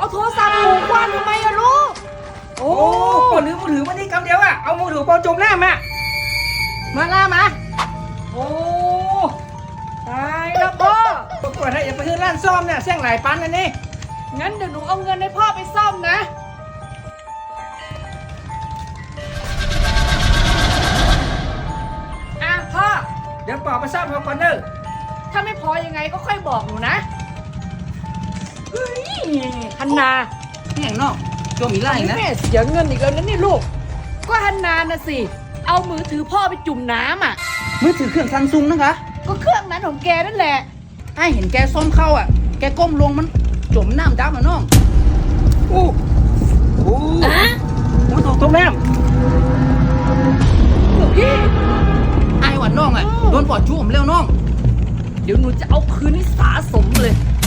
โทรศัพท์หนูกว้านทำไมอะลูกโอ้ปอลืมมือถือวันนี้คำเดียวอะเอามือถือปอจมน้ำอะมาล่ามาโอ้ตายแล้วพ่อปรากฏให้อย่าไปซื้อร้านซ่อมเนี่ยเสี่ยงหลายปันอันนี้งั้นเดี๋ยวหนูเอาเงินให้พ่อไปซ่อมนะอ่ะพ่อเดี๋ยวปอไปซ่อมเขาก่อนเด้อถ้าไม่พอยังไงก็ค่อยบอกหนูนะเฮ้ยฮันนานี่อย่างนอกจมอีกไล่นะแม่เสียเงินอีกแล้วนะนี่ลูก ก็ฮันนานะสิ เอามือถือพ่อไปจุ่มน้ำอ่ะมือถือเครื่องซัมซุงนะคะก็เครื่องนั้นของแกนั่นแหละไอ้เห็นแกซ่อมเข้าอ่ะ แกก้มลงมันจมน้ำดำอ่ะน้องอู้อู้มือถูกจมน้ำไอ้หวันน้องอ่ะโดนปอดจุ่มเร็วน้องเดี๋ยวหนูจะเอาคืนให้สาสมเลย